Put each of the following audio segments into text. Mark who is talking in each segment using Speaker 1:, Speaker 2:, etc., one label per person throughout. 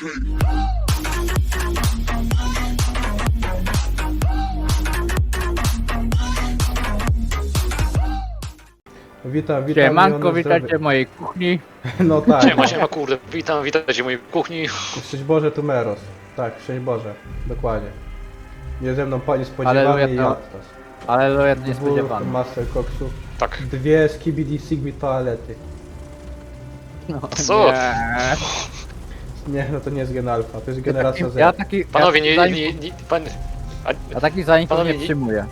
Speaker 1: Witam,
Speaker 2: Siemanko,
Speaker 1: miliony
Speaker 2: witajcie
Speaker 1: zdrowych.
Speaker 2: w mojej kuchni.
Speaker 1: No tak,
Speaker 3: Siema, kurde, witajcie w mojej kuchni.
Speaker 1: szczęść Boże tu Meros. Tak, szczęść Boże, dokładnie. Nie ze mną pani
Speaker 2: Aleluja,
Speaker 1: spodziewany i
Speaker 2: to-
Speaker 1: Jadtas.
Speaker 2: Aleluja, to
Speaker 1: Dwóch
Speaker 2: niespodziewane.
Speaker 1: master koksu.
Speaker 3: Tak.
Speaker 1: Dwie skibidi sigmi toalety.
Speaker 2: No,
Speaker 3: Co?
Speaker 2: nie.
Speaker 1: Nie, no to nie jest gen alfa, to jest generacja
Speaker 2: Ja
Speaker 1: Z.
Speaker 2: taki...
Speaker 3: Panowie,
Speaker 2: ja,
Speaker 3: pan...
Speaker 2: Ja takich zajęć
Speaker 3: panowie,
Speaker 2: nie
Speaker 3: nie-
Speaker 2: przyjmuję.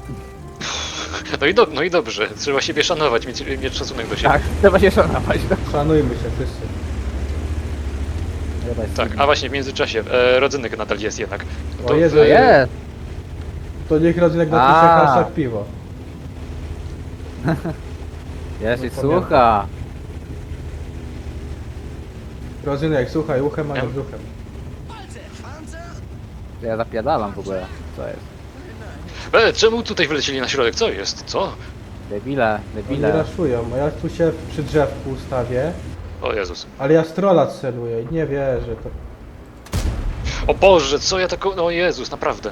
Speaker 3: No i dobrze, trzeba siebie szanować, mieć szacunek do siebie.
Speaker 2: Tak, trzeba się szanować. No.
Speaker 1: Szanujmy się wszyscy.
Speaker 3: Tak, a właśnie w międzyczasie, rodzynek nadal jest jednak.
Speaker 1: O Jezu,
Speaker 2: Jest!
Speaker 1: To niech rodzynek napisze
Speaker 2: A.
Speaker 1: hashtag piwo.
Speaker 2: Jest i
Speaker 1: No,
Speaker 2: słucha.
Speaker 1: Rodzynek, słuchaj, uchem, a nie
Speaker 3: Ja-
Speaker 1: brzuchem.
Speaker 2: Ja zapierdalam w ogóle. Co jest?
Speaker 3: Czemu tutaj wylecieli na środek? Co jest? Co?
Speaker 2: Debile,
Speaker 1: Oni
Speaker 2: debile.
Speaker 1: raszują, a ja tu się przy drzewku ustawię,
Speaker 3: O Jezus.
Speaker 1: ale ja strola celuję i nie wierzę. To...
Speaker 3: O Boże, co ja taką... O Jezus, naprawdę.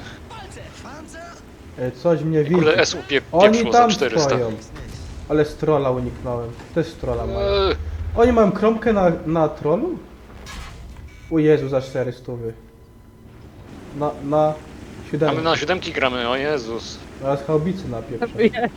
Speaker 1: Coś mnie widzi.
Speaker 3: Kurde, SU
Speaker 1: Oni
Speaker 3: pieprzło za
Speaker 1: tam
Speaker 3: 400.
Speaker 1: stoją. Ale z trolla uniknąłem. Też z trolla mają.
Speaker 3: Eee,
Speaker 1: Oni mają kromkę na trollu? O Jezu, za 400. Na
Speaker 3: a my
Speaker 1: 7.
Speaker 3: na siódemki gramy, o Jezus.
Speaker 1: Teraz chałbicy na pierwsze.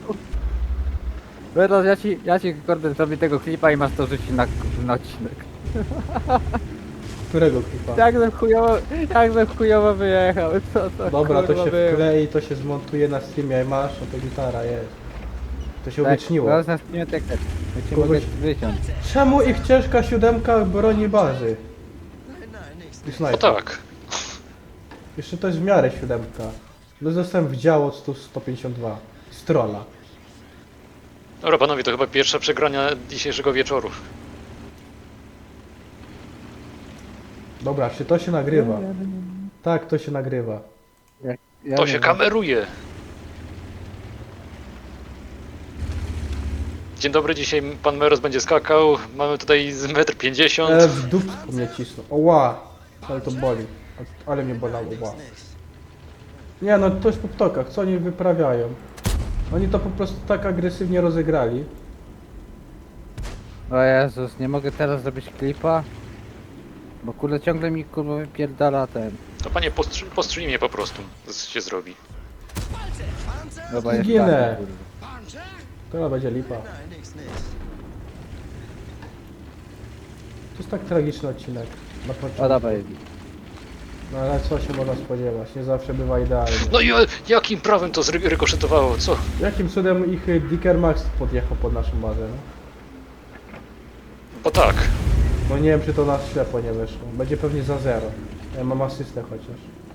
Speaker 2: Teraz ja ci kurde zrobię tego klipa i masz to rzucić na odcinek.
Speaker 1: Którego klipa?
Speaker 2: Jak żem chujowo wyjechał, co to
Speaker 1: Dobra, to
Speaker 2: kurwa
Speaker 1: się
Speaker 2: było?
Speaker 1: wklei, to się zmontuje na streamie, jak masz, no to gitara jest. To się
Speaker 2: Tak,
Speaker 1: uwieczniło.
Speaker 2: zaraz na streamie tak, ja cię
Speaker 1: Kogoś-
Speaker 2: mogę wyciąć.
Speaker 1: Czemu ich ciężka siódemka broni bazy? I
Speaker 3: O
Speaker 1: snajper.
Speaker 3: tak.
Speaker 1: Jeszcze to jest w miarę siódemka. No zostałem w działo 152. Z trolla.
Speaker 3: Dobra panowie, to chyba pierwsza przegrania dzisiejszego wieczoru.
Speaker 1: Dobra, czy to się nagrywa? Tak, to się nagrywa.
Speaker 2: Ja
Speaker 3: To
Speaker 2: nie
Speaker 3: się
Speaker 2: wiem.
Speaker 3: kameruje. Dzień dobry, dzisiaj pan Meros będzie skakał. Mamy tutaj z 1,50 m.
Speaker 1: W dupsku mnie cisną. Oła! Ale to boli. Ale mnie bolało, ła. Nie no, to jest po ptokach, co oni wyprawiają? Oni to po prostu tak agresywnie rozegrali.
Speaker 2: O Jezus, nie mogę teraz zrobić klipa. Bo kurde ciągle mi kurwa wypierdala ten.
Speaker 3: To panie, postrzyj mnie po prostu. Się zrobi.
Speaker 2: Dobra, jest
Speaker 1: Zginę.
Speaker 2: tak, kurwa.
Speaker 1: To będzie lipa. To jest tak tragiczny odcinek. Na początku.
Speaker 2: O dobra, jest.
Speaker 1: No ale co się można spodziewać? Nie zawsze bywa idealnie.
Speaker 3: No i jakim prawem to zrykoszetowało? Co?
Speaker 1: Jakim cudem ich Dicker Max podjechał pod naszą bazę, no?
Speaker 3: Bo tak.
Speaker 1: No nie wiem, czy to nas ślepo nie wyszło. Będzie pewnie za 0. Ja mam asystę chociaż.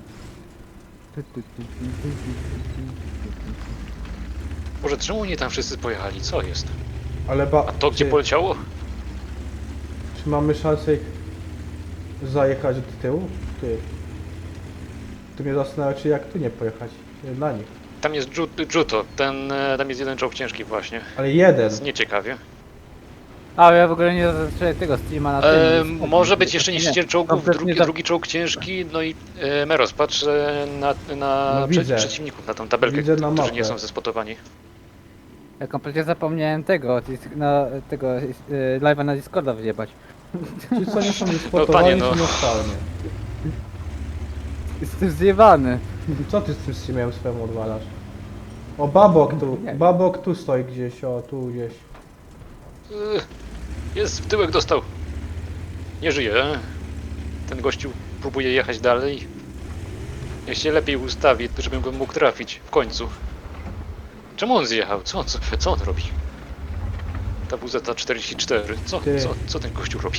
Speaker 3: Może czemu oni tam wszyscy pojechali? Co jest?
Speaker 1: Ale
Speaker 3: A to gdzie
Speaker 1: czy,
Speaker 3: poleciało?
Speaker 1: czy mamy szansę ich zajechać do tyłu? Ty. Tu mnie zastanawia, czy jak tu nie pojechać na nich.
Speaker 3: Tam jest Juto. Tam jest jeden czołg ciężki właśnie.
Speaker 1: Ale jeden.
Speaker 3: Jest nieciekawie.
Speaker 2: A ja w ogóle nie zacząłem tego streama na tym.
Speaker 3: Może być jeszcze niszczyciel czołgów,
Speaker 2: kompletnie
Speaker 3: drugi czołg ciężki, no i Meros, patrz na
Speaker 1: No widzę.
Speaker 3: przeciwników, na tą tabelkę,
Speaker 1: Widzę na
Speaker 3: którzy
Speaker 1: mapę.
Speaker 3: nie są zespotowani.
Speaker 2: Ja kompletnie zapomniałem tego, tego live'a na Discorda wyjebać.
Speaker 1: Ci co nie są wyspotowani,
Speaker 3: panie, no.
Speaker 1: są nostalnie.
Speaker 2: Jestem zjebany.
Speaker 1: Co ty z tym streamem swemu odwalasz? O, babok tu.
Speaker 2: Nie.
Speaker 1: Babok tu stoi gdzieś, o, tu gdzieś.
Speaker 3: Jest, w tyłek dostał. Nie żyje. Ten gościu próbuje jechać dalej. Niech się lepiej ustawi, żebym go mógł trafić w końcu. Czemu on zjechał? Co on robi? Ta WZ-44.
Speaker 1: Ty.
Speaker 3: Co ten gościu robi?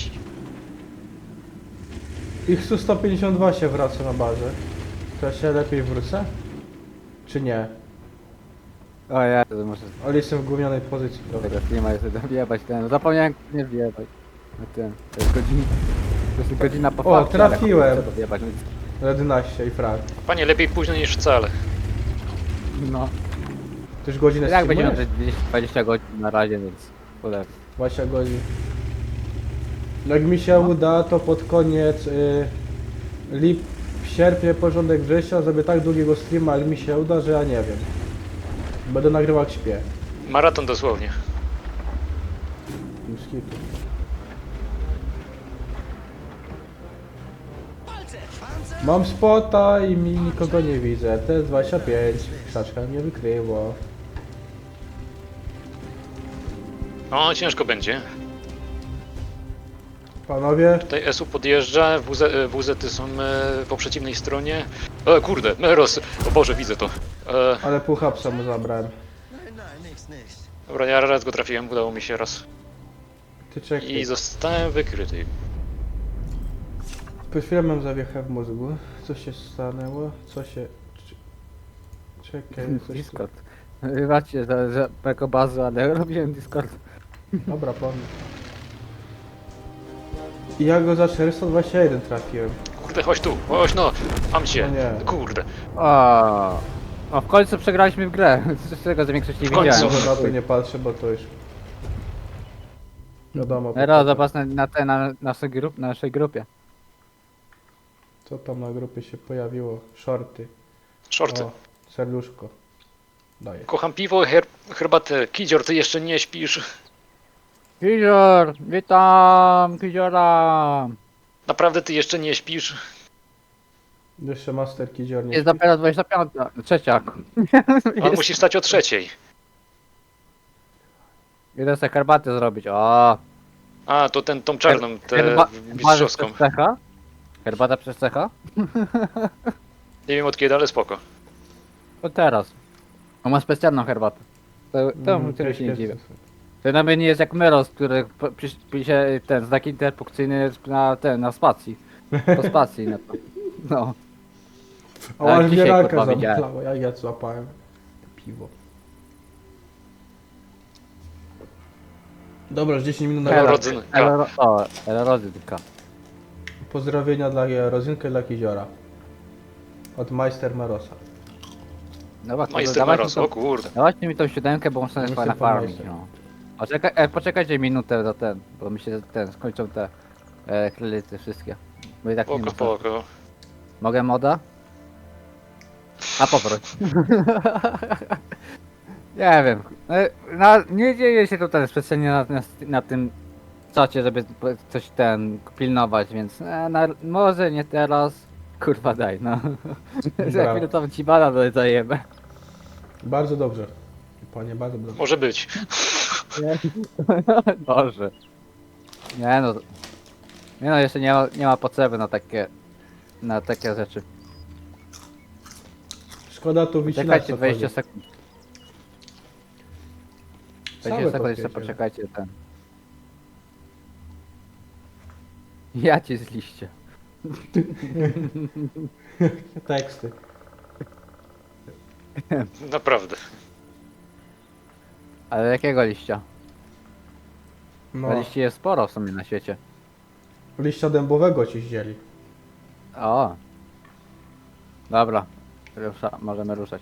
Speaker 1: Ich Su-152 się wraca na bazę. To ja się lepiej wrócę? Czy nie?
Speaker 2: O ja to muszę
Speaker 1: Ale jestem w gównianej pozycji,
Speaker 2: z
Speaker 1: prawda?
Speaker 2: tego streama jeszcze wjebać ten. Zapomniałem nie wjebać. Na ten. To jest godzina. To jest godzina po
Speaker 1: O,
Speaker 2: fakcie, ale
Speaker 1: trafiłem.
Speaker 2: chcę to wjebać, więc-
Speaker 1: 11 i frag.
Speaker 3: Panie, lepiej późno niż wcale.
Speaker 2: No.
Speaker 1: Ty już godzinę
Speaker 2: Jak będzie
Speaker 1: streamujesz?
Speaker 2: 20 godzin na razie, więc. Kurde.
Speaker 1: 20 godzin. Jak mi się uda, to pod koniec sierpnie, początek września zrobię tak długiego streama, jak mi się uda, że ja nie wiem. Będę nagrywał jak śpię.
Speaker 3: Maraton dosłownie.
Speaker 1: Już kitu. Mam spota i nikogo nie widzę. T25. Krzaczka mnie wykryło.
Speaker 3: O, ciężko będzie.
Speaker 1: Panowie,
Speaker 3: Tutaj SU podjeżdża, WZ-y są po przeciwnej stronie. Kurde, Meros! O Boże, widzę to.
Speaker 1: ale pół hapsa mu zabrałem.
Speaker 3: Dobra, ja raz go trafiłem, udało mi się raz.
Speaker 1: Ty czekaj.
Speaker 3: I zostałem wykryty.
Speaker 1: Po chwilę mam zawiechę w mózgu. Co się stanęło? Co się... Czekaj, coś tu...
Speaker 2: Discord. Wybaczcie za jako bazę, ale robiłem Discord.
Speaker 1: Dobra, pomnę. I ja go za 421 trafiłem.
Speaker 3: Kurde, chodź tu, chodź no! Mam cię!
Speaker 1: O nie.
Speaker 3: Kurde.
Speaker 2: O, w końcu przegraliśmy w grę. Z tego, że większość nie
Speaker 3: W końcu.
Speaker 2: widziałem.
Speaker 1: Może na to nie patrzę, bo to już... Wiadomo.
Speaker 2: Teraz zobacz na naszej grupie.
Speaker 1: Co tam na grupie się pojawiło? Shorty.
Speaker 3: Shorty.
Speaker 1: O, serduszko. Daję.
Speaker 3: Kocham piwo, herbatę. Kidzior, ty jeszcze nie śpisz.
Speaker 2: Kizior! Witam! Kiziora!
Speaker 3: Naprawdę ty jeszcze nie śpisz?
Speaker 1: Jeszcze Master Kidzior nie
Speaker 2: Jest
Speaker 1: śpi.
Speaker 2: dopiero 25. Trzecia.
Speaker 3: On musi wstać o 3:00.
Speaker 2: Idę sobie herbatę zrobić. O!
Speaker 3: A, to tą czarną, tę
Speaker 2: Herbata
Speaker 3: mistrzowską.
Speaker 2: przez cecha? Herbata przez cecha?
Speaker 3: Nie wiem od kiedy, ale spoko.
Speaker 2: To teraz. On ma specjalną herbatę. To który się nie dziwię. To nawet nie jest jak Meros, który pisze ten znak interpunkcyjny na spacji. Po spacji na to. No.
Speaker 1: O,
Speaker 2: Tak,
Speaker 1: aż
Speaker 2: dzisiaj,
Speaker 1: mnie raka
Speaker 2: kurwa, widziałem.
Speaker 1: zamknęło, jak ja złapałem piwo. Dobra, już 10 minut na
Speaker 3: Elo.
Speaker 1: górę.
Speaker 3: rodzynka.
Speaker 2: Rodzynka.
Speaker 1: Pozdrowienia dla Rozynka i dla Kiziora. Od Majster Marosa.
Speaker 2: Dobra,
Speaker 3: Majster Meros, o kurde.
Speaker 2: dawajcie mi tą siódemkę, bo muszę
Speaker 1: Majster
Speaker 2: sobie na
Speaker 1: pan
Speaker 2: farmić.
Speaker 1: Majster.
Speaker 2: No. Poczekajcie minutę do bo mi się skończą te kredyty wszystkie. Bo i tak nie
Speaker 3: Spoko,
Speaker 2: ma.
Speaker 3: spoko.
Speaker 2: Mogę moda? A poproś. Nie wiem. Nie dzieje się tutaj specjalnie na tym czacie, żeby coś pilnować, więc może nie teraz. Kurwa daj, no. Za
Speaker 1: Dobra.
Speaker 2: chwilę tam ci bana dajemy.
Speaker 1: Bardzo dobrze. Panie, bardzo dobrze.
Speaker 3: Może być.
Speaker 2: Boże. Nie no. Nie no, jeszcze nie ma potrzeby na takie rzeczy.
Speaker 1: Szkoda tu wycinać
Speaker 2: Czekajcie
Speaker 1: co
Speaker 2: 20
Speaker 1: chodzi.
Speaker 2: sekund. 20
Speaker 1: Całe
Speaker 2: sekund jeszcze
Speaker 1: podpięcie.
Speaker 2: poczekajcie Ja ci z liście.
Speaker 1: Teksty.
Speaker 3: Naprawdę.
Speaker 2: Ale jakiego liścia?
Speaker 1: No,
Speaker 2: Bo liści jest sporo w sumie na świecie.
Speaker 1: liścia dębowego ci zdzieli.
Speaker 2: O. Dobra. Możemy ruszać.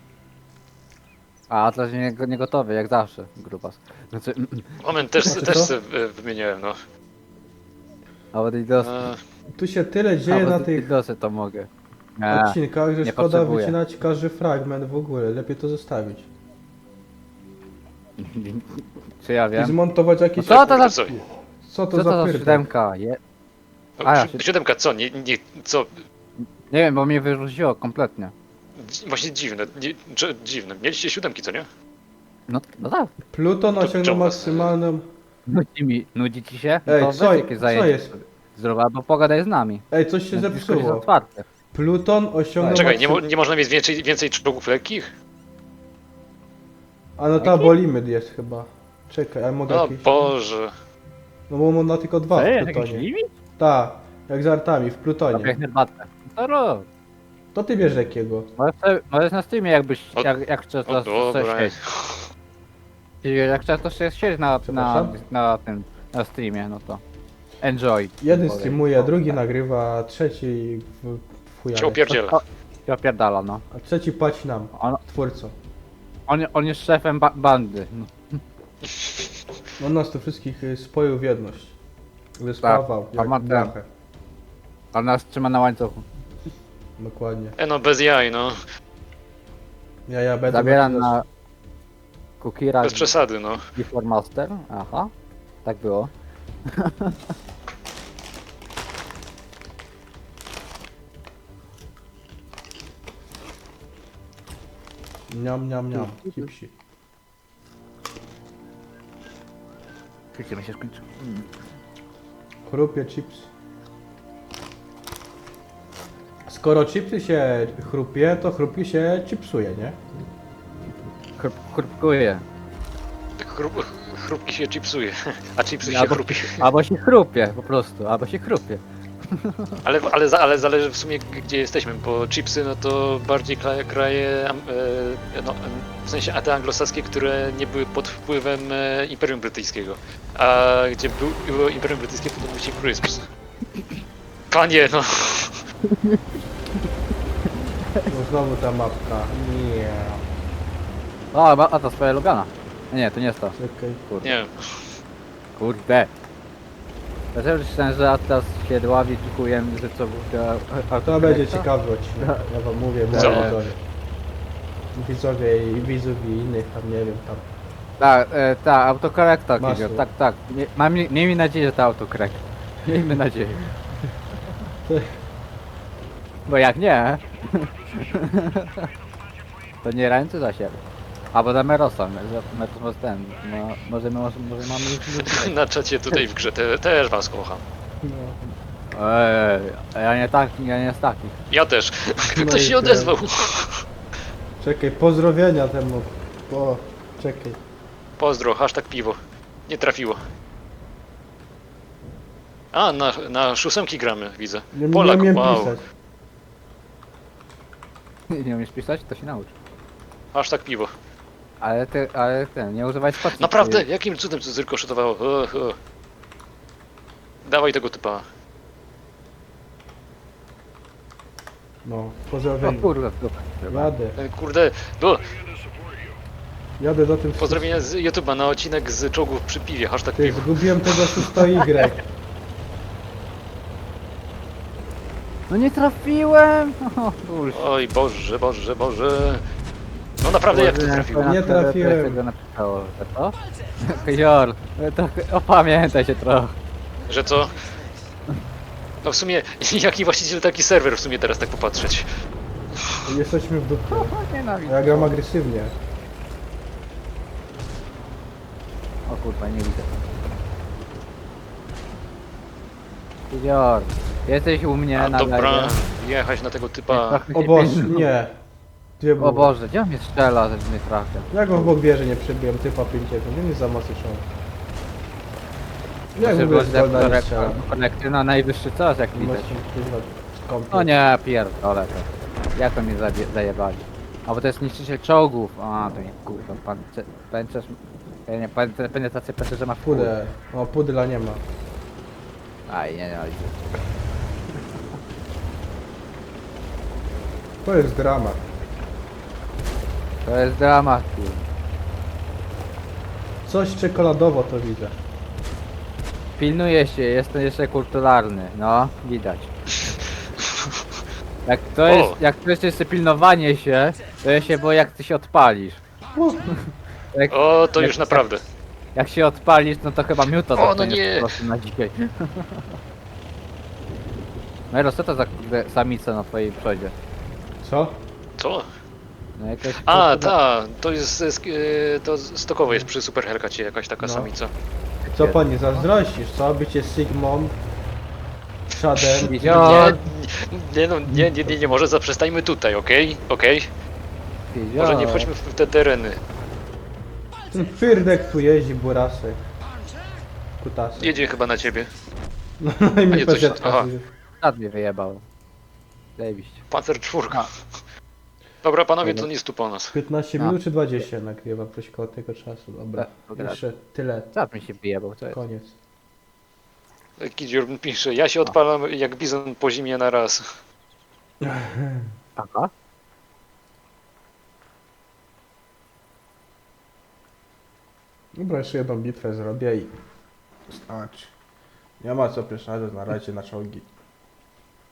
Speaker 2: A Atlas nie gotowy, jak zawsze, grupas. Znaczy,
Speaker 3: Moment, też
Speaker 1: Znaczy co?
Speaker 3: se wymieniałem, no.
Speaker 2: nawet i dos...
Speaker 1: Tu się tyle dzieje na tych
Speaker 2: dosy to mogę. Nie,
Speaker 1: odcinkach, że
Speaker 2: nie
Speaker 1: szkoda
Speaker 2: potrzebuję.
Speaker 1: wycinać każdy fragment w ogóle. Lepiej to zostawić.
Speaker 2: czy ja
Speaker 1: I
Speaker 2: wiem?
Speaker 1: zmontować jakieś...
Speaker 2: No co to za...
Speaker 3: Co?
Speaker 1: Co to
Speaker 2: Co
Speaker 1: za
Speaker 2: to za
Speaker 1: pierdol?
Speaker 2: siódemka? A, ja się-
Speaker 3: Siódemka, co? Co?
Speaker 2: Nie wiem, bo mnie wyrzuciło kompletnie.
Speaker 3: Właśnie dziwne, dziwne. Mieliście siódemki, co nie?
Speaker 2: No tak.
Speaker 1: Pluton osiągnął
Speaker 3: czemu?
Speaker 1: maksymalną...
Speaker 2: Nudzi ci się?
Speaker 1: Ej,
Speaker 2: To
Speaker 1: co-
Speaker 2: weź jakieś
Speaker 1: co
Speaker 2: zajęcie
Speaker 1: jest?
Speaker 2: Zrób, albo pogadaj z nami.
Speaker 1: Ej, coś się
Speaker 2: Discord jest
Speaker 1: zepsuło.
Speaker 2: otwarty.
Speaker 1: Pluton osiągnął
Speaker 3: Czekaj,
Speaker 1: maksy-
Speaker 3: nie można mieć więcej czołgów lekkich?
Speaker 1: A no ta bo limit jest chyba. Czekaj, a mogę
Speaker 3: O
Speaker 1: jakiś...
Speaker 3: Boże.
Speaker 1: No bo on ma tylko 2 w Plutonie.
Speaker 2: limit?
Speaker 1: Tak, jak z artami w
Speaker 2: Dobra,
Speaker 1: Plutonie.
Speaker 2: herbatę. To rób.
Speaker 1: To ty bierz jakiego.
Speaker 2: Możesz na streamie jakbyś,
Speaker 3: O-
Speaker 2: jak chcesz
Speaker 3: O dobra.
Speaker 2: Jak chcesz to się siedzieć
Speaker 1: Przepraszam?
Speaker 2: na streamie, no to enjoy.
Speaker 1: Jeden
Speaker 2: Powiem.
Speaker 1: streamuje, drugi nagrywa, trzeci w
Speaker 3: Cię
Speaker 1: chujale.
Speaker 3: opierdziela.
Speaker 2: Się opierdala, no.
Speaker 1: A trzeci płaci nam, twórcom.
Speaker 2: On jest szefem bandy. No.
Speaker 1: On nas tu wszystkich spoił w jedność. Wyspawał,
Speaker 2: Tak, a ma
Speaker 1: jak
Speaker 2: ten.
Speaker 1: blachę.
Speaker 2: A nas trzyma na łańcuchu.
Speaker 1: Dokładnie.
Speaker 3: No bez jaj, no.
Speaker 1: Ja będę...
Speaker 2: Zabieram na Kukira
Speaker 3: Bez przesady, no.
Speaker 2: Before Master. Aha. Tak było.
Speaker 1: Niam, niam, niam. Chipsi.
Speaker 2: Chwilkę mi się skończył.
Speaker 1: Chrupie chips. Skoro chipsy się chrupie, to chrupi się chipsuje, nie?
Speaker 2: Chrupkuje.
Speaker 3: Chrupki się chipsuje, a chipsy się
Speaker 2: Albo-
Speaker 3: chrupi.
Speaker 2: Albo się chrupie po prostu, albo się chrupie.
Speaker 3: Ale zależy w sumie gdzie jesteśmy, bo chipsy no to bardziej kraje, no, w sensie te anglosaskie, które nie były pod wpływem Imperium Brytyjskiego. A gdzie było Imperium Brytyjskie, to były się crisps. Panie, no.
Speaker 1: No znowu ta mapka. Nie.
Speaker 2: O, a to swoja lubiana. Nie, to nie jest to.
Speaker 1: Czekaj.
Speaker 3: Nie,
Speaker 2: Kurde. Dlaczego myślałem, że Atlas się dławi chujem, że co
Speaker 1: To będzie ciekawy odcinek. Ja wam mówię, moi
Speaker 3: Co?
Speaker 1: widzowie. Widzowie i widzów i innych tam, nie wiem, tam.
Speaker 2: Tak, autokorrektor,
Speaker 1: Masło.
Speaker 2: Kizio, tak. Miejmy nadzieję, że to autokorekt. Miejmy nadzieję. Bo jak nie, to nie ręce za siebie. Albo za Merosa, Meros ten, no, może mamy już...
Speaker 3: na czacie tutaj w grze też was kocham.
Speaker 1: No.
Speaker 2: Ja nie taki, ja nie z takich.
Speaker 3: Ja też.
Speaker 1: No
Speaker 3: Ktoś
Speaker 1: i
Speaker 3: się odezwał.
Speaker 1: Czekaj, pozdrowienia temu. O, czekaj.
Speaker 3: Pozdro, hashtag piwo. Nie trafiło. A, na szósemki gramy, widzę.
Speaker 1: Nie,
Speaker 3: Polak,
Speaker 1: nie umiem
Speaker 3: wow.
Speaker 1: pisać.
Speaker 2: Nie umiesz pisać? To się naucz.
Speaker 3: Hashtag piwo.
Speaker 2: Ale ten, nie używaj spacji.
Speaker 3: Naprawdę? Jakim cudem to zrykoszytowało? Dawaj tego typa.
Speaker 1: No,
Speaker 2: O
Speaker 1: pozdrowienia.
Speaker 2: kurde, super.
Speaker 1: Jadę.
Speaker 3: Kurde, no,
Speaker 1: Jadę za tym.
Speaker 3: pozdrowienia z YouTube'a na odcinek z czołgów przy piwie, hashtag
Speaker 1: Ty,
Speaker 3: piwo.
Speaker 1: zgubiłem tego 600Y.
Speaker 2: No nie trafiłem! O, bullshit.
Speaker 3: Oj, Boże, Boże, Boże. No naprawdę, jak to trafiło?
Speaker 1: Nie trafiłem.
Speaker 2: Tego napisało, że to? Jor, to opamiętaj się trochę.
Speaker 3: Że co? No w sumie, jaki właściciel, taki serwer w sumie teraz tak popatrzeć.
Speaker 1: Jesteśmy w dupie.
Speaker 2: Nienawidzę.
Speaker 1: Ja gram agresywnie.
Speaker 2: O kurwa, nie widzę. Jor, jesteś u mnie
Speaker 3: A
Speaker 2: na
Speaker 3: dobra,
Speaker 2: live.
Speaker 3: jechać na tego typa.
Speaker 1: O Boże, nie. Dwie
Speaker 2: O
Speaker 1: buły.
Speaker 2: Boże, gdzie on mnie strzela, że mnie trafia?
Speaker 1: Jak go w bok bierze nie przebiłem, typa 50, nie jest za mocny szon. Jak w ogóle z Golda nie strzela?
Speaker 2: Konekty na najwyższy czas, jak widać.
Speaker 1: Właśnie, kurwa, skąd?
Speaker 2: O nie, pierdolę to. Jak to mnie zajebali? A bo to jest niszczyciel czołgów. A, to nie kurwa, pancerz... Nie, penetrację pancerza ma w chuj.
Speaker 1: Pudę. O, pudla nie ma.
Speaker 2: Aj, nie, widzę.
Speaker 1: To jest dramat.
Speaker 2: To jest dramat. kurwa.
Speaker 1: Coś czekoladowo to widzę.
Speaker 2: Pilnuję się, jestem jeszcze kulturalny, no, widać. Jak to jest jeszcze pilnowanie się, to ja się boję jak ty się odpalisz. Jak,
Speaker 3: O, to
Speaker 2: jak-
Speaker 3: już naprawdę.
Speaker 2: jak się odpalisz, no to chyba miuta
Speaker 3: O, no
Speaker 2: dostaniesz
Speaker 3: nie.
Speaker 2: po prostu na dzisiaj. Mero, co to za kurde samica na twojej przodzie?
Speaker 1: Co?
Speaker 3: Co?
Speaker 2: No jakaś
Speaker 3: A,
Speaker 2: kurde-
Speaker 3: to jest, to stokowo jest przy Super Hellcacie jakaś taka
Speaker 1: No.
Speaker 3: samica.
Speaker 1: Co pani zazdrościsz, co? Bycie Sigmą, Shadem.
Speaker 2: Widziałem,
Speaker 3: Nie, może zaprzestańmy tutaj, okej? Okej? Może nie wchodźmy w te tereny.
Speaker 1: Ten pyrdek tu jeździ, burasy. Kutasy.
Speaker 3: Jedzie chyba na ciebie.
Speaker 1: No i
Speaker 3: A
Speaker 1: mi
Speaker 3: nie, coś-
Speaker 1: PZ
Speaker 3: aha.
Speaker 2: Sad mnie wyjebał. Zajebiście.
Speaker 3: Pancer czwórka. Dobra, panowie, to nie stu po nas.
Speaker 1: 15
Speaker 2: No.
Speaker 1: minut czy 20 nagrywam coś koło tego czasu, dobra.
Speaker 2: Dobra.
Speaker 1: Jeszcze tyle,
Speaker 2: Sad mi się wyjebał, co jest?
Speaker 1: koniec.
Speaker 3: Kidzior pisze, ja się odpalam jak bizon po zimie na raz.
Speaker 2: Aha.
Speaker 1: Dobra, jeszcze jedną bitwę zrobię i... Starczy. Nie ma co pierwszego, na razie na czołgi.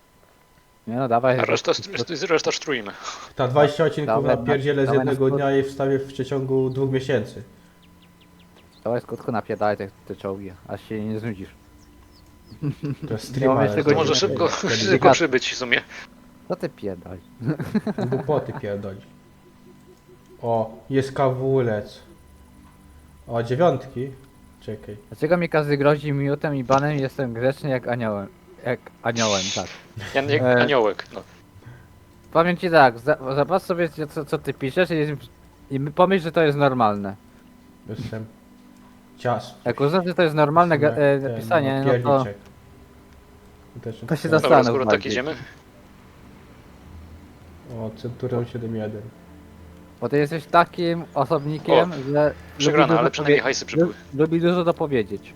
Speaker 2: Nie no, dawaj.
Speaker 3: A reszta sztrujmy.
Speaker 1: Ta 20 odcinków
Speaker 2: Dawaj,
Speaker 1: napierdzielę z
Speaker 2: dawaj na
Speaker 1: jednego
Speaker 2: skrót.
Speaker 1: dnia i wstawię w przeciągu 2 miesięcy.
Speaker 2: Dawaj skutku napierdaj te czołgi, aż się nie znudzisz.
Speaker 1: To jest
Speaker 2: Ja mam
Speaker 1: streama.
Speaker 2: jeszcze
Speaker 3: To
Speaker 2: godziny.
Speaker 3: może szybko przybyć w sumie.
Speaker 2: Co ty pierdaj?
Speaker 1: Głupoty pierdoli. O, jest kawulec. O, 9. Czekaj.
Speaker 2: Dlaczego mi każdy grozi miutem i banem i jestem grzeczny jak aniołem? Jak aniołem, tak.
Speaker 3: Jan jak aniołek, no.
Speaker 2: Powiem ci tak, zobacz sobie co ty piszesz i pomyśl, że to jest normalne.
Speaker 1: Jestem. Cias.
Speaker 2: Jak uznasz, że to jest normalne
Speaker 1: Ten,
Speaker 2: pisanie, no to...
Speaker 1: pierniczek. Też
Speaker 2: To się
Speaker 1: ten-
Speaker 2: zas-
Speaker 3: Dobra,
Speaker 2: Zastanów
Speaker 3: skoro tak
Speaker 2: bardziej.
Speaker 3: idziemy.
Speaker 1: O, Centurion 7.1.
Speaker 2: Bo ty jesteś takim osobnikiem, że...
Speaker 3: Przegrana,
Speaker 2: lubi
Speaker 3: ale
Speaker 2: dużo
Speaker 3: przynajmniej
Speaker 2: powie-
Speaker 3: hajsy przybyły.
Speaker 2: Lubi dużo dopowiedzieć.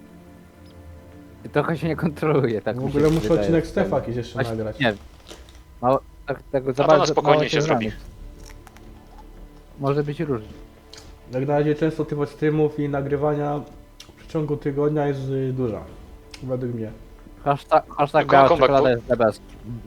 Speaker 2: I trochę się nie kontroluje, tak
Speaker 1: W
Speaker 2: mi się
Speaker 1: ogóle muszę
Speaker 2: wydaje.
Speaker 1: odcinek Stefa jakiś jeszcze
Speaker 2: Właśnie,
Speaker 1: nagrać.
Speaker 2: nie wiem. Mało, tak, tego za
Speaker 3: A to na
Speaker 2: bardzo
Speaker 3: spokojnie
Speaker 2: mało
Speaker 3: się zrobi.
Speaker 2: znanych. Może być różnie.
Speaker 1: Jak na razie często tych streamów i nagrywania w przeciągu tygodnia jest duża. Według mnie.
Speaker 2: Hashtag
Speaker 3: Kom-
Speaker 2: biała
Speaker 3: comeback,
Speaker 2: czekolada
Speaker 3: bo-
Speaker 2: jest the best.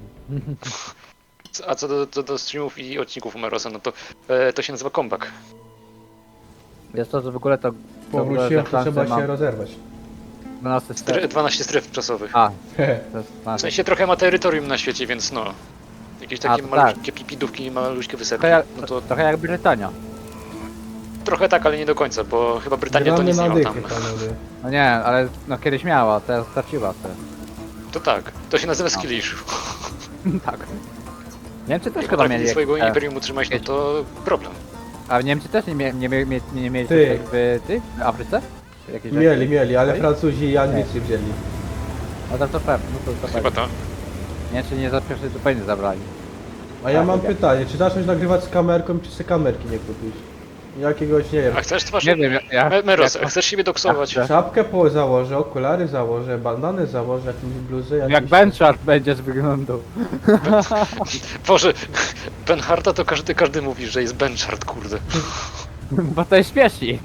Speaker 3: A co do streamów i odcinków Umerosa, no to to się nazywa comeback.
Speaker 2: Jest to, że w ogóle to...
Speaker 1: Powróciłem, to
Speaker 2: Francja
Speaker 1: trzeba
Speaker 2: ma
Speaker 1: się rozerwać.
Speaker 2: 12 stref.
Speaker 3: 12 stref czasowych.
Speaker 2: A, to jest
Speaker 3: W
Speaker 2: 12.
Speaker 3: sensie trochę ma terytorium na świecie, więc no. Jakieś takie
Speaker 2: to
Speaker 3: malutkie pipidówki, maluśkie wysepki.
Speaker 2: Trochę jak,
Speaker 3: No to
Speaker 2: trochę jak Brytania.
Speaker 3: trochę tak, ale nie do końca, bo chyba Brytania to
Speaker 1: Gramy
Speaker 3: nic
Speaker 1: na
Speaker 3: nie ma tam.
Speaker 1: dychy, panowie.
Speaker 2: No nie, ale no kiedyś miała, teraz straciła te.
Speaker 3: To tak, to się nazywa skill issue.
Speaker 2: Tak. Niemcy też
Speaker 3: Jak
Speaker 2: chyba
Speaker 3: potrafili
Speaker 2: mieli
Speaker 3: swojego
Speaker 2: jakieś-
Speaker 3: imperium utrzymać, no to problem.
Speaker 2: A Niemcy też nie mieli
Speaker 1: Ty.
Speaker 2: w Afryce? Jakieś
Speaker 1: Mieli, ale
Speaker 2: Ej?
Speaker 1: Francuzi i Anglicy wzięli.
Speaker 2: No to pewnie, no to
Speaker 3: Chyba
Speaker 2: pewnie.
Speaker 3: to.
Speaker 2: Niemcy nie za pierwszy zupełnie zabrali.
Speaker 1: A ja
Speaker 2: Tak,
Speaker 1: mam
Speaker 2: tak.
Speaker 1: pytanie, czy zacząć nagrywać z kamerką, czy sobie kamerki nie kupić? Jakiegoś, nie wiem,
Speaker 3: A chcesz twarz?
Speaker 2: Nie wiem,
Speaker 3: Meros,
Speaker 2: jak-
Speaker 3: chcesz siebie doksować?
Speaker 2: jak-
Speaker 1: czapkę założę, okulary założę, bandany założę, jakąś bluzę,
Speaker 2: jak
Speaker 1: jakiś...
Speaker 2: Benchart będziesz wyglądał.
Speaker 3: Boże, Benharta to każdy mówi, że jest Benchart, kurde.
Speaker 2: Bo to jest śmieszni.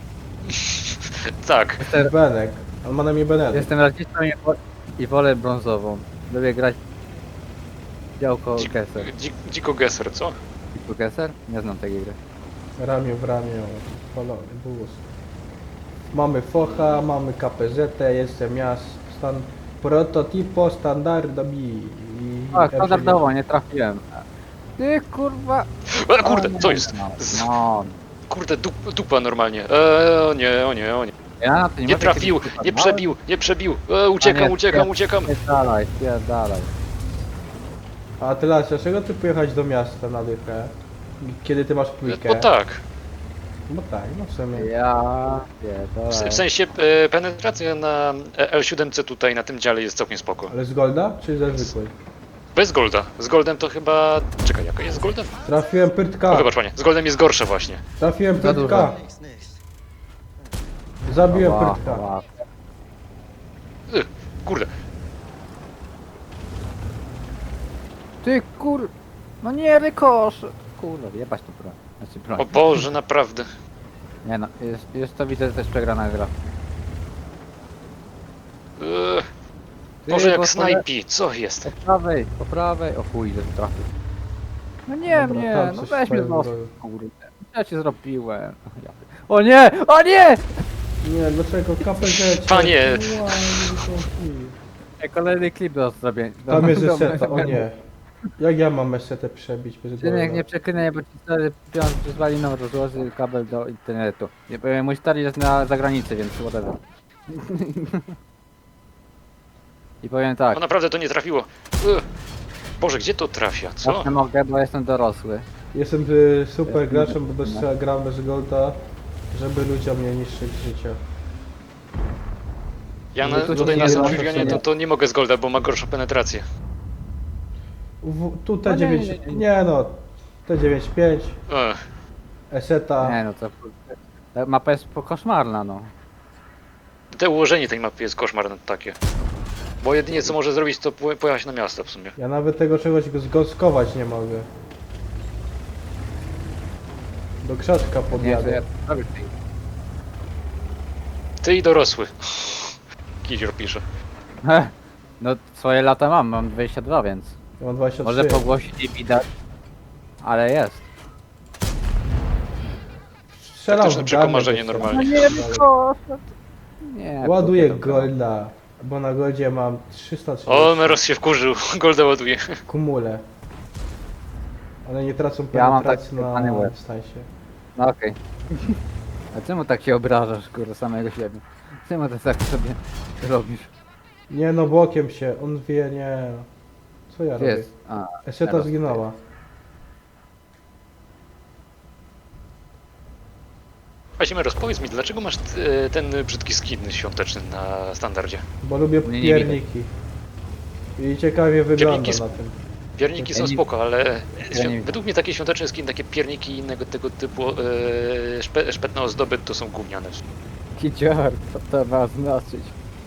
Speaker 3: Tak.
Speaker 1: Benek, on ma na mnie Benek.
Speaker 2: Jestem rasistą i wolę brązową. Lubię grać działko Gesser.
Speaker 3: Dziko Gesser, co?
Speaker 2: Dziko Gesser? Nie znam tej gry.
Speaker 1: Ramię w ramię, kolor, bus. Mamy focha, mamy KPZ, jestem ja, prototipo standardowi.
Speaker 2: A, standardowo, nie trafiłem. Ty kurwa...
Speaker 3: E, kurde, co jest?
Speaker 2: No,
Speaker 3: Kurde, dupa normalnie. O nie, o nie, o nie.
Speaker 2: ja na to nie
Speaker 3: Nie
Speaker 2: mogę
Speaker 3: trafił,
Speaker 2: kiedyś
Speaker 3: nie
Speaker 2: wypadnąłem.
Speaker 3: przebił, nie przebił. Uciekam, uciekam.
Speaker 2: Spierdalaj.
Speaker 1: A ty Las, dlaczego ty pojechać do miasta na dychę? Kiedy ty masz płykę?
Speaker 3: Bo tak.
Speaker 1: Bo tak, no w sumie.
Speaker 2: Ja
Speaker 3: W
Speaker 2: pierdolę.
Speaker 3: sensie penetracja na L7C tutaj na tym dziale jest całkiem spoko.
Speaker 1: Ale z Golda, czy ze zwykłej?
Speaker 3: Bez Golda. Z Goldem to chyba... Czekaj, jaka jest z Goldem?
Speaker 1: Trafiłem
Speaker 3: O,
Speaker 1: pyrtka,
Speaker 3: wybacz panie, z Goldem jest gorsze właśnie.
Speaker 1: trafiłem
Speaker 2: Za
Speaker 1: pyrtka. Zabiłem
Speaker 2: Ała,
Speaker 1: pyrtka.
Speaker 2: ała.
Speaker 3: Kurde.
Speaker 2: Ty kur... No nie, rykosz! Kurwa, jebać to broń. Znaczy broń.
Speaker 3: O Boże, naprawdę.
Speaker 2: Nie no, jest to widzę też przegrana gra.
Speaker 3: Boże, jak
Speaker 2: bo
Speaker 3: snajpi, co jest?
Speaker 2: Po prawej, o chuj, że trafił. No nie,
Speaker 1: Dobra,
Speaker 2: nie,
Speaker 1: tam
Speaker 2: no
Speaker 1: coś
Speaker 2: weź mnie
Speaker 1: swoją
Speaker 2: z nosa,
Speaker 1: drogą.
Speaker 2: kurde. Ja ci zrobiłem. Ja- O nie! O nie!
Speaker 1: Nie, dlaczego KPZ?
Speaker 3: Panie.
Speaker 2: Kolejny klip do zrobienia.
Speaker 1: Tam jest eseta, o nie. Jak ja mam esetę przebić bez
Speaker 2: Synek,
Speaker 1: Golda?
Speaker 2: nie przeklinaj, bo ci stary pion przyzwali nam rozłoży kabel do internetu. Nie powiem, mój stary jest na zagranicy, więc whatever. I powiem tak,
Speaker 3: No naprawdę to nie trafiło. Boże, gdzie to trafia, co?
Speaker 2: ja nie mogę, bo jestem dorosły.
Speaker 1: Jestem super graczem, bo gram bez Golda, żeby ludziom nie niszczyć życia.
Speaker 3: Ja
Speaker 2: No to
Speaker 3: tutaj
Speaker 2: nie
Speaker 3: na
Speaker 2: wiem,
Speaker 3: Centurionie to nie mogę z Golda, bo ma gorszą penetrację.
Speaker 1: Tu
Speaker 2: No nie,
Speaker 1: T9, nie no, T95,
Speaker 3: Ech,
Speaker 1: eseta.
Speaker 2: Nie no, to ta mapa jest koszmarna, no.
Speaker 3: te ułożenie tej mapy jest koszmarne takie. Bo jedynie co może zrobić to pojechać na miasto w sumie.
Speaker 1: Ja nawet tego czegoś zgoskować nie mogę. Do krzaczka
Speaker 2: Nie, to
Speaker 1: podjadę.
Speaker 2: ja robię tej.
Speaker 3: Ty i dorosły. Kizior pisze.
Speaker 2: No swoje lata mam 22, więc.
Speaker 1: Ja mam 23.
Speaker 2: Może po głosie nie widać, ale jest.
Speaker 1: Strzelam
Speaker 3: Taktyczne
Speaker 1: w
Speaker 3: przekomarzenie
Speaker 1: garnek
Speaker 3: normalnie.
Speaker 1: jeszcze.
Speaker 2: Nie,
Speaker 1: Ładuję
Speaker 2: to-
Speaker 1: golda, bo na goldzie mam 330
Speaker 3: O, Meros się wkurzył. Golda ładuje.
Speaker 1: kumule. Ale nie tracą
Speaker 2: Ja mam
Speaker 1: penetracji
Speaker 2: taki pany
Speaker 1: na
Speaker 2: łeb.
Speaker 1: dystansie.
Speaker 2: No okej. A czemu tak się obrażasz, kurde, samego siebie? Czemu ty tak sobie robisz?
Speaker 1: Nie no, bokiem się, on wie, nie. Co ja
Speaker 2: Gdzie
Speaker 1: robię?
Speaker 2: jest? A,
Speaker 1: Eseta
Speaker 2: teraz
Speaker 1: zginęła.
Speaker 3: Właśnie Meros, powiedz mi, dlaczego masz ten brzydki skin świąteczny na standardzie?
Speaker 1: Bo lubię
Speaker 2: Mnie nie
Speaker 1: pierniki. I ciekawie wygląda
Speaker 3: Pierniki
Speaker 1: na tym.
Speaker 3: Pierniki są
Speaker 2: Ja nie-
Speaker 3: spoko, ale
Speaker 2: Ja nie
Speaker 3: według mnie takie świąteczne skin, takie pierniki i innego tego typu szpetne ozdoby to są gówniane.
Speaker 2: Kicior, co to ma znaczyć?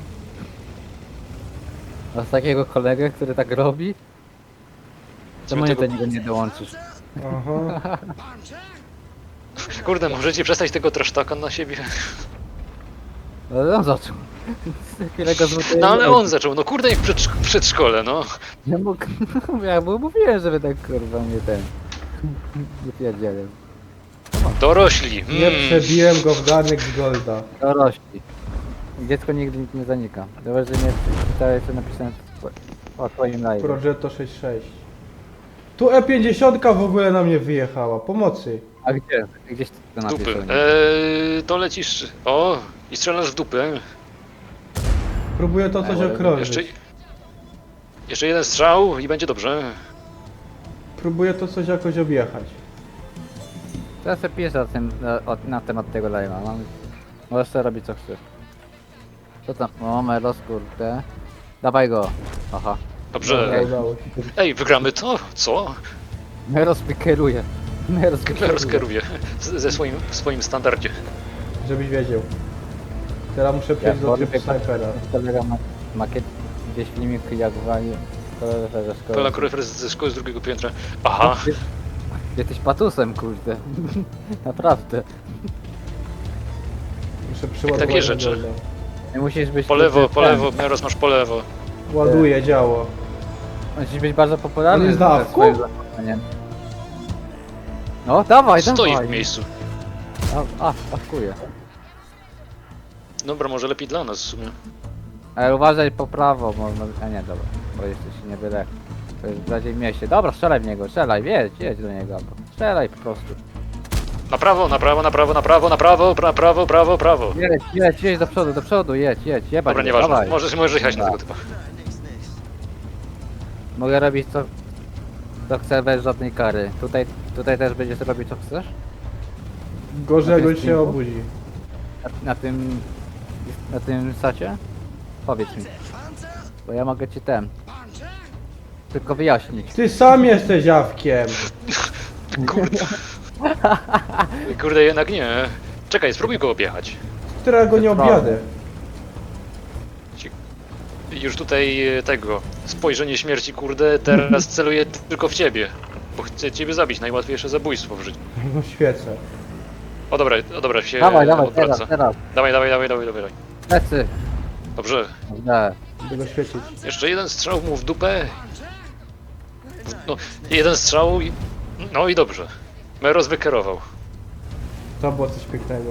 Speaker 2: Masz takiego kolegę, który tak robi? Czemu nie do
Speaker 3: tego-
Speaker 2: niego nie dołączysz?
Speaker 1: Aha.
Speaker 3: Kurde, możecie przestać tego trasztaka na siebie?
Speaker 2: No ale on zaczął. Chwilę go zmutuję.
Speaker 3: No ale on zaczął, no kurde, jak w przedszkole, no.
Speaker 2: Nie mógł. Ja mu mówiłem, żeby tak kurwa nie ten. Nie pierdzielę.
Speaker 3: Dorośli.
Speaker 1: Nie przebiłem go w garnek z golda.
Speaker 2: Dorośli. Dziecko nigdy nie zanika. Dobrze, że nie czytałeś co napisałem o twoim live.
Speaker 1: Progetto 66. Tu E50 w ogóle na mnie wyjechała. Pomocy.
Speaker 2: A gdzie? Gdzieś to
Speaker 3: Z dupy.
Speaker 2: napisał.
Speaker 3: To lecisz. O, i strzelasz w dupę.
Speaker 1: Próbuję to coś
Speaker 2: Ale
Speaker 1: okrążyć.
Speaker 3: Jeszcze jeden strzał i będzie dobrze.
Speaker 1: Próbuję to coś jakoś objechać.
Speaker 2: Teraz sobie piszę na temat tego live'a. Możesz sobie robić co chcesz. Co tam? O, Melos, kurde. Dawaj go. Aha.
Speaker 3: Dobrze.
Speaker 1: Dobra, udało się.
Speaker 3: Ej, wygramy to? Co?
Speaker 2: Meros mi kieruje. Meros mi
Speaker 3: Meros kieruje ze swoim standardzie.
Speaker 1: Żebyś wiedział. Teraz muszę przejść do
Speaker 2: wolę
Speaker 1: trybu snajpera.
Speaker 2: Kolega ma makiet, gdzieś filmik jak wali kolega ze szkoły.
Speaker 3: Pełna koryfer ze szkoły z drugiego piętra. Aha.
Speaker 2: Jesteś patusem, kurde. Naprawdę.
Speaker 1: Muszę przyładować
Speaker 3: takie
Speaker 1: na
Speaker 3: rzeczy.
Speaker 1: golda.
Speaker 2: Nie musisz być...
Speaker 3: Po lewo,
Speaker 2: kurde,
Speaker 3: po
Speaker 2: ten.
Speaker 3: lewo, Meros masz po lewo.
Speaker 1: Ładuję działo.
Speaker 2: Musisz być bardzo popularny.
Speaker 1: On jest
Speaker 2: ze
Speaker 1: na awku?
Speaker 2: swoim zachowaniem. No, dawaj,
Speaker 3: Stoi
Speaker 2: dawaj.
Speaker 3: w miejscu.
Speaker 2: Awkuję.
Speaker 3: Dobra, może lepiej dla nas w sumie.
Speaker 2: Ale uważaj po prawo, a nie, dobra. Bo jeszcze się nie wylech. To jest bardziej w mieście. Dobra, strzelaj w niego, strzelaj, jedź do niego. Albo strzelaj po prostu.
Speaker 3: Na prawo, na prawo, na prawo, na prawo, na prawo, prawo, prawo.
Speaker 2: Jedź do przodu, jedź, jebać.
Speaker 3: Dobra,
Speaker 2: go,
Speaker 3: nieważne.
Speaker 2: dawaj.
Speaker 3: Możesz jechać na tego
Speaker 2: Dobra.
Speaker 3: typa.
Speaker 2: Mogę robić co chcę bez żadnej kary. Tutaj też będziesz robić co chcesz?
Speaker 1: Gorzej
Speaker 2: Na tym
Speaker 1: jak się
Speaker 2: streamku?
Speaker 1: obudzi.
Speaker 2: Na tym sacie? Powiedz mi. Bo ja mogę ci tylko wyjaśnić.
Speaker 1: Ty sam jesteś jawkiem.
Speaker 3: Kurde. Kurde, jednak nie. Czekaj, spróbuj go objechać.
Speaker 1: Którego nie
Speaker 2: Prawda.
Speaker 1: objadę.
Speaker 3: Już tutaj tego, spojrzenie śmierci, kurde, teraz celuję tylko w ciebie. Bo chcę ciebie zabić, najłatwiejsze zabójstwo w życiu.
Speaker 1: No świecę.
Speaker 3: O dobra, się
Speaker 2: Dawaj,
Speaker 3: odwraca.
Speaker 2: teraz.
Speaker 3: Dawaj.
Speaker 2: Plecy.
Speaker 3: Dobrze.
Speaker 2: Dobrze.
Speaker 1: Będę go świecić.
Speaker 3: Jeszcze jeden strzał mu w dupę. No, jeden strzał i... No i dobrze. Meros wykierował.
Speaker 1: To było coś pięknego.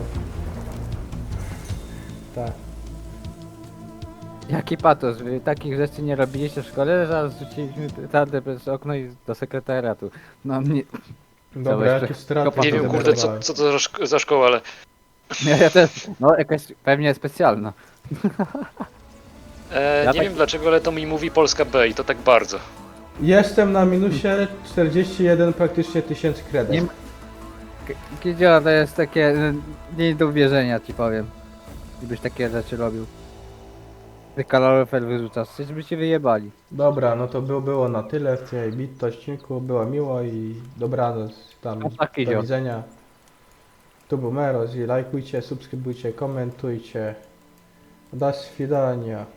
Speaker 1: Tak.
Speaker 2: Jaki patos, wy takich rzeczy nie robiliście w szkole, zaraz rzuciliśmy tardę przez okno i do sekretariatu. No mnie...
Speaker 1: Dobra,
Speaker 2: jeszcze
Speaker 1: jakieś straty.
Speaker 2: kopa
Speaker 3: Nie wiem, kurde, co to za szkoła, ale...
Speaker 2: Ja też, no jakaś pewnie specjalna. Ja
Speaker 3: nie
Speaker 2: tak-
Speaker 3: wiem dlaczego, ale to mi mówi Polska B i to tak bardzo.
Speaker 1: Jestem na minusie 41 praktycznie 1000
Speaker 2: Nie
Speaker 1: kredek.
Speaker 2: ma- Kidziola to jest takie nie do uwierzenia ci powiem. Gdybyś takie rzeczy robił. Ty kaloryfer wyrzucasz, coś by cię wyjebali.
Speaker 1: Dobra, no to było na tyle w tej odcinku. Było miło i dobranoc. Tam
Speaker 2: No tak,
Speaker 1: do
Speaker 2: idzie.
Speaker 1: widzenia. Tu był Meros i lajkujcie, subskrybujcie, komentujcie. Do świdania.